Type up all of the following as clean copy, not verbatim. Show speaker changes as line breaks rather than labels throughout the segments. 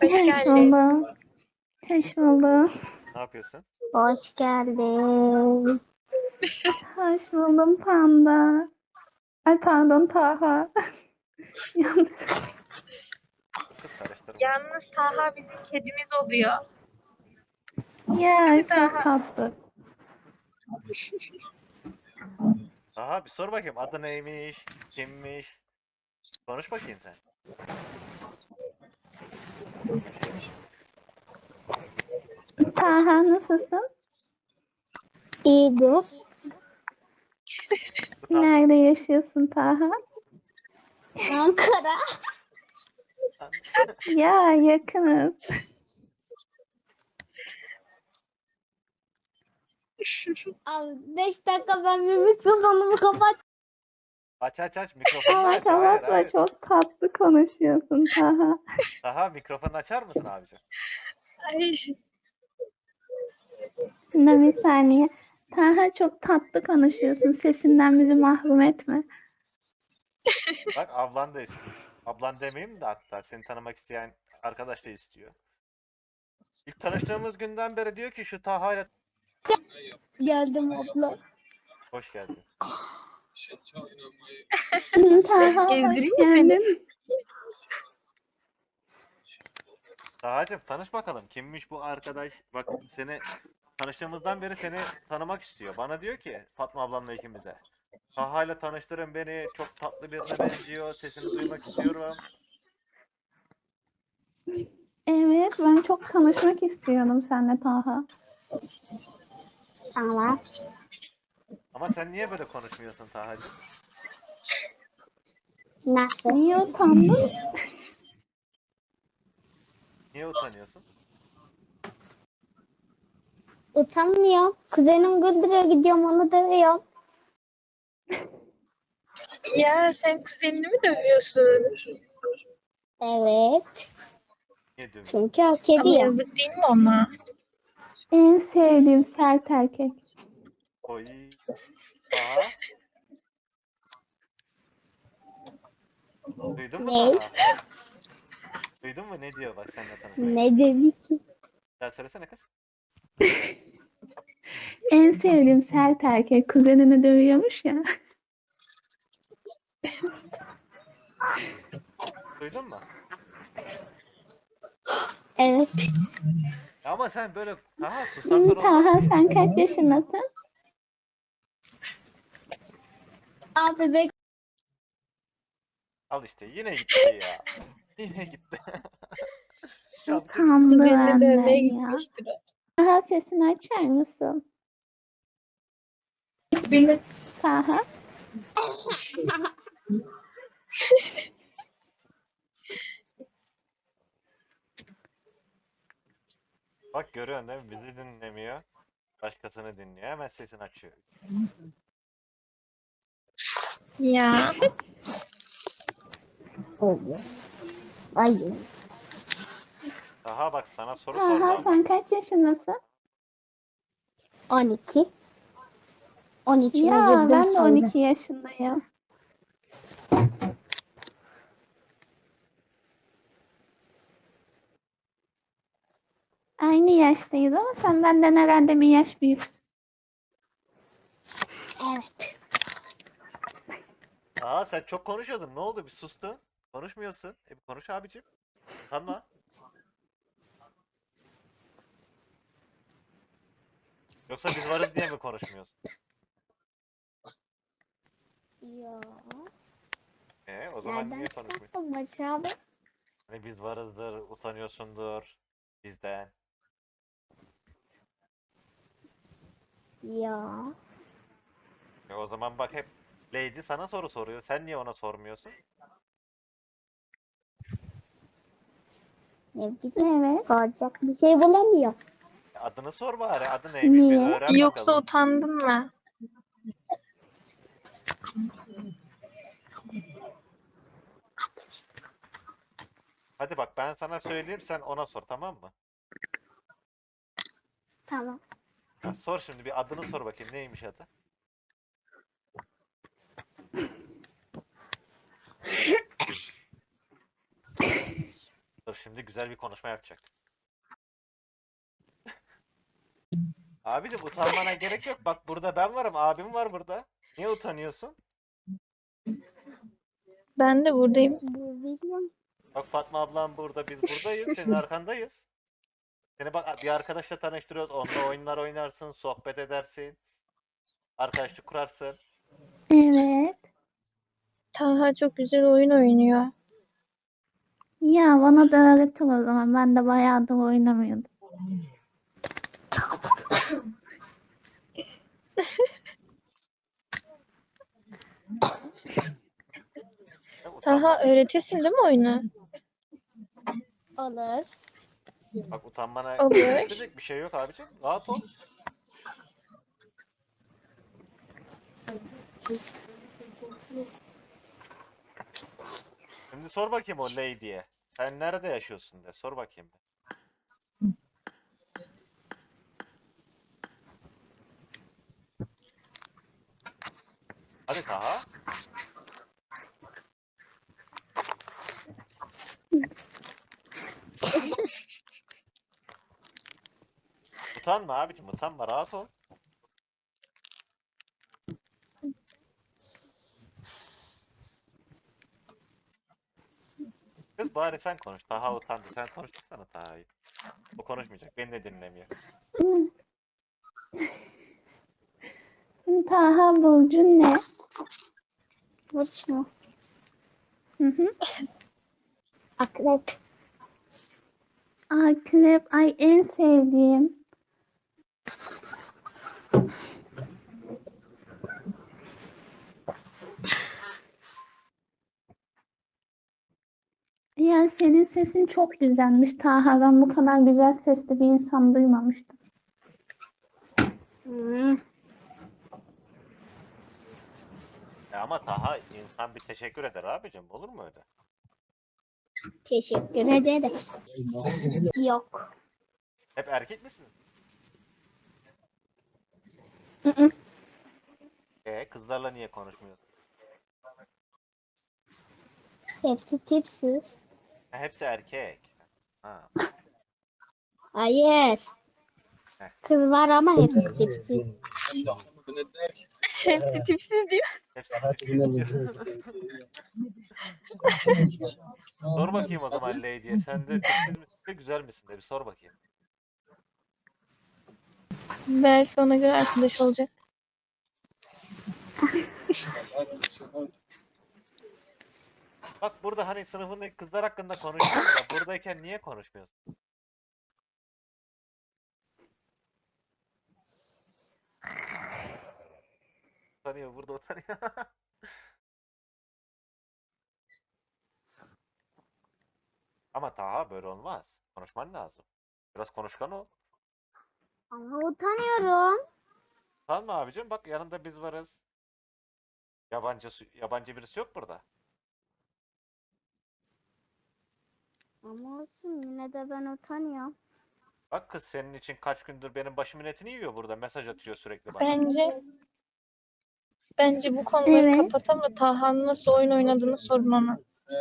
Hoş
Hoş
geldin.
buldum. Hoş buldum.
Ne yapıyorsun?
Hoş geldin.
Hoş buldum Panda. Ay pardon Taha. Yanlış.
Kız karıştırma.
Yalnız Taha bizim kedimiz oluyor.
Ya çok
Taha.
tatlı.
Aha bir sor bakayım adı neymiş? Kimmiş? Konuş bakayım sen.
Taha nasılsın?
İyidir.
Utan.
Nerede yaşıyorsun Taha?
Ankara.
Ya yakınız.
Abi 5 dakika ben bir mikrofonumu kapat.
Aç mikrofonunu
Ama
aç. Hayır
kapatma
hayır.
çok tatlı konuşuyorsun Taha.
Daha mikrofonu açar mısın abicim?
Ay,
Şimdi bir saniye. Taha çok tatlı konuşuyorsun. Sesinden bizi mahrum etme.
Bak ablan da istiyor. Ablan demeyeyim de hatta seni tanımak isteyen arkadaş da istiyor. İlk tanıştığımız günden beri diyor ki şu Taha ile
Geldim abla.
hoş geldin.
Taha hoş
gezdireyim mi seni?
geldin.
Taha'cığım tanış bakalım. Kimmiş bu arkadaş? Bak seni tanıştığımızdan beri seni tanımak istiyor. Bana diyor ki Fatma ablamla ikimize. Taha ile tanıştırın beni. Çok tatlı birine benziyor. Sesini duymak istiyorum.
Evet ben çok tanışmak istiyorum seninle Taha.
Tamam.
Ama sen niye böyle konuşmuyorsun Taha'cığım?
Nasıl?
Niye utandın?
Niye utanıyorsun?
Utanmıyorum. Kuzenim Güldür'e gidiyorum onu dövüyorum.
ya sen kuzenini mi dövüyorsun?
Evet.
Niye dövüyorsun?
Çünkü hak
Ama
ediyor.
yazık değil mi ona?
En sevdiğim sert erkek.
Oy. Taha. Duydun mu
Ne?
Taha? Duydun mu ne diyor bak seninle tanışmak.
Ne dedi ki?
Sen söylesene kız.
En sevdiğim sert erkek kuzenini dövüyormuş ya.
Duydun mu?
Evet.
Ama sen böyle Taha susarsan olmaz
Taha
ki.
sen kaç yaşındasın?
Abi bek.
Al işte yine gitti ya. Yine gitti. Ya bu çocuk-
Utandı
Kuzenini dövmeye
benden ya.
gitmiştir o.
Taha sesini açar mısın? Taha.
Bak görüyorsun değil mi? Bizi dinlemiyor. Başkasını dinliyor. Hemen sesini açıyor.
Ya
Hayır.
Taha bak sana soru
Taha
sordu ama.
sen kaç yaşındasın?
12. 13'üne
Ya
girdim
ben de
sonra.
12 yaşındayım. Aynı yaştayız ama sen benden herhalde bir yaş büyüksün.
Evet.
Taha sen çok konuşuyordun. Ne oldu? Bir sustun. Konuşmuyorsun. Bir konuş abicim. Utanma. Yoksa biz varız diye mi konuşmuyorsun?
Ya.
O zaman
Nereden
niye konuşmuyorsun?
çıkarttın Barış abi?
Hani biz varızdır, utanıyorsundur bizden.
Ya.
O zaman bak hep Lady sana soru soruyor. Sen niye ona sormuyorsun?
Ne bileyim.
Evet.
Soracak bir şey bulamıyor.
Adını sor bari. Adı neymiş? Bir
Niye?
öğren
yoksa
bakalım.
utandın mı?
Hadi bak ben sana söyleyeyim sen ona sor tamam mı?
Tamam.
Ha, sor şimdi bir adını sor bakayım neymiş adı? Dur şimdi güzel bir konuşma yapacak. Abicim utanmana gerek yok. Bak burada ben varım. Abim var burada. Niye utanıyorsun?
Ben de buradayım.
Bu bilmiyorum.
Bak Fatma ablam burada. Biz buradayız. Senin arkandayız. Seni bak bir arkadaşla tanıştırıyoruz. Onunla oyunlar oynarsın. Sohbet edersin. Arkadaşlık kurarsın.
Evet.
Taha çok güzel oyun oynuyor.
Ya bana da öğretin o zaman. Ben de bayağıdır oynamıyordum.
Ya,
Taha öğretirsin değil mi oyunu?
Olur.
Bak utanmana
Olur.
gerektirecek bir şey yok abicim. Rahat ol. Şimdi sor bakayım o lady'ye. Sen nerede yaşıyorsun de. Sor bakayım. Hadi Taha. Utanma abicim. Utanma. Rahat ol. Kız bari sen konuş. Taha utandı. Sen konuştursana Taha'yı. O konuşmayacak. Beni de dinlemiyor.
Taha burcun ne?
Burç mu?
Hı hı.
Akrep.
Akrep. Ay en sevdiğim. Ya senin sesin çok güzelmiş Taha. Ben bu kadar güzel sesli bir insan duymamıştım.
Hmm.
Ama Taha insan bir teşekkür eder abicim. Olur mu öyle?
Teşekkür ederim. Yok.
Hep erkek misin?
Hı hı.
Kızlarla niye konuşmuyorsun?
Hepsi tipsiz.
Ha, hepsi erkek. Ha.
Hayır.
Heh.
Kız var ama hepsi tipsiz.
Hepsi tipsiz diyor.
Hepsi tipsiz diyor. Sor bakayım o zaman lady'ye. Sen de tipsiz misin de güzel misin de bir sor bakayım.
Belki ona göre arkadaş olacak.
Bak burada hani sınıfındaki kızlar hakkında konuşuyorsun da buradayken niye konuşmuyorsun? Utanıyor burada utanıyor. Ama Taha böyle olmaz. Konuşman lazım. Biraz konuşkan ol.
Ama utanıyorum.
Tamam mı abicim? Bak yanında biz varız. Yabancı birisi yok burada.
Ama olsun yine de ben utanıyorum.
Bak kız senin için kaç gündür benim başımın etini yiyor burada. Mesaj atıyor sürekli bana.
Bence bu konuları
Evet.
kapatalım da Taha'nın nasıl oyun oynadığını sorun ona.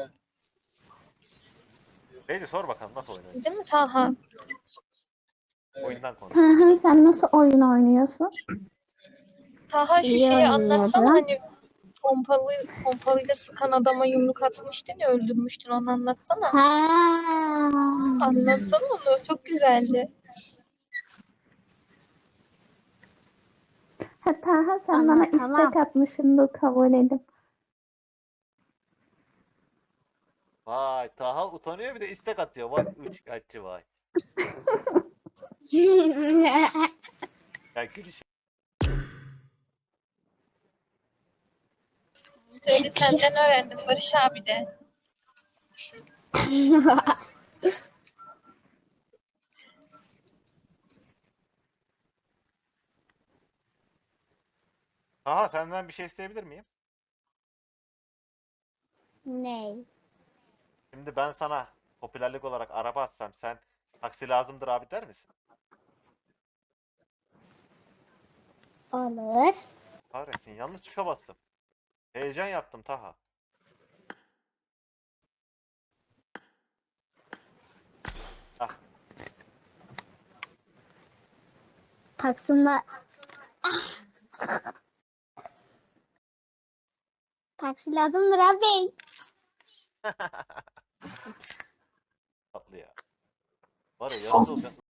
Lady sor bakalım nasıl oynuyor?
Değil mi Taha?
Oyundan konuş.
Taha sen nasıl oyun oynuyorsun?
Taha şu
İyi
şeyi anlatsana
oynuyorum.
hani pompalıyla sıkan adama yumruk atmıştın ya öldürmüştün onu anlatsana.
Ha.
Anlatsana onu çok güzeldi.
Ha, Taha sen bana
Anlatamam.
istek atmışsın dur kabul edip.
Vay Taha utanıyor bir de istek atıyor. Vay üçkağıtçı vay. Ya gülüş.
Söyle senden öğrendim Barış abi de.
Taha senden bir şey isteyebilir miyim?
Ney?
Şimdi ben sana popülerlik olarak araba atsam sen taksi lazımdır abi der misin?
Olur.
Kahretsin yanlış tuşa bastım. Heyecan yaptım Taha.
Taksim'de taksi lazımdır abi.
Tatlı ya. Var ya yanında olacak.